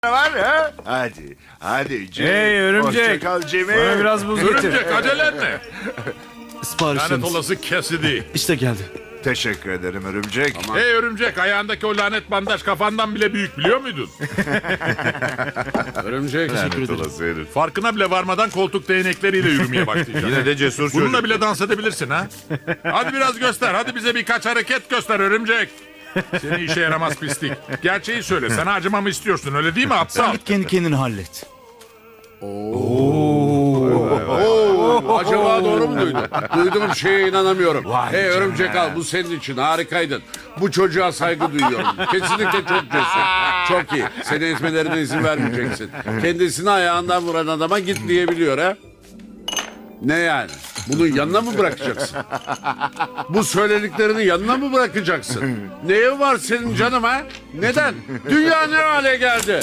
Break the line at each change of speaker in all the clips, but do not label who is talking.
var ha? Hadi Cemil.
Hey örümcek.
Hoşça kal Cemil.
Bana biraz buz getir.
Örümcek acelen ne? Lanet
Siparişleriniz.
olası Cassidy.
İşte geldi.
Teşekkür ederim örümcek.
Hey örümcek, ayağındaki o lanet bandaj kafandan bile büyük, biliyor muydun?
Örümcek.
Lanet olası herif.
Farkına bile varmadan koltuk değnekleriyle yürümeye başlayacaksın.
Yine de cesur
Bununla
çocuk.
bile dans edebilirsin ha. Hadi biraz göster. Hadi bize birkaç hareket göster örümcek. Seni işe yaramaz pislik. Gerçeği söyle. Sana acımamı istiyorsun, öyle değil mi aptal?
Git kendi kendini hallet.
Acaba doğru mu duydum? Duyduğum şeye inanamıyorum. Hey örümcek al, bu senin için harikaydın. Bu çocuğa saygı duyuyorum. Kesinlikle çok cesur. Çok iyi. Seni ezmelerine izin vermeyeceksin. Kendisini ayağından vuran adama git diyebiliyor ha? Ne yani? Bunu yanına mı bırakacaksın? Bu söylediklerini yanına mı bırakacaksın? Neye var senin canım ha? Neden? Dünya ne hale geldi?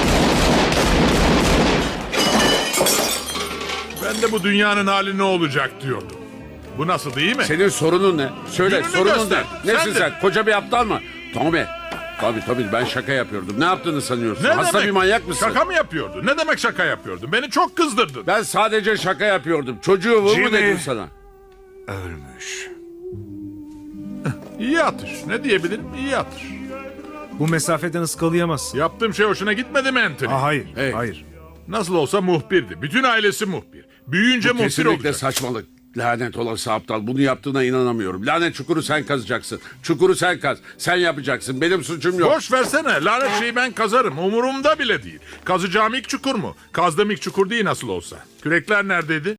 Ben de bu dünyanın hali ne olacak diyordum. Bu nasıl, değil mi?
Senin sorunun ne? Söyle,
Yönünü
sorunun
göster.
ne? Nesin
Sen de-
sen? Koca bir aptal mı? Tommy. Tabii ben şaka yapıyordum. Ne yaptığını sanıyorsun?
Ne
Hasta
demek?
bir manyak mısın?
Şaka mı yapıyordun? Ne demek şaka yapıyordun? Beni çok kızdırdın.
Ben sadece şaka yapıyordum. Çocuğu vur mu
Jimmy.
dedim sana?
Ölmüş.
İyi atış. Ne diyebilirim? İyi atış.
Bu mesafeden ıskalayamazsın.
Yaptığım şey hoşuna gitmedi mi Anthony?
Hayır.
Hey.
Hayır.
Nasıl olsa muhbirdi. Bütün ailesi muhbir. Büyüyünce muhbir
Kesinlikle
olacak.
saçmalık. Lanet olası aptal. Bunu yaptığına inanamıyorum. Lanet çukuru sen kazacaksın. Çukuru sen kaz. Sen yapacaksın. Benim suçum yok.
Boş versene. Lanet şeyi ben kazarım. Umurumda bile değil. Kazacağım ilk çukur mu? Kazdığım ilk çukur değil nasıl olsa. Kürekler neredeydi?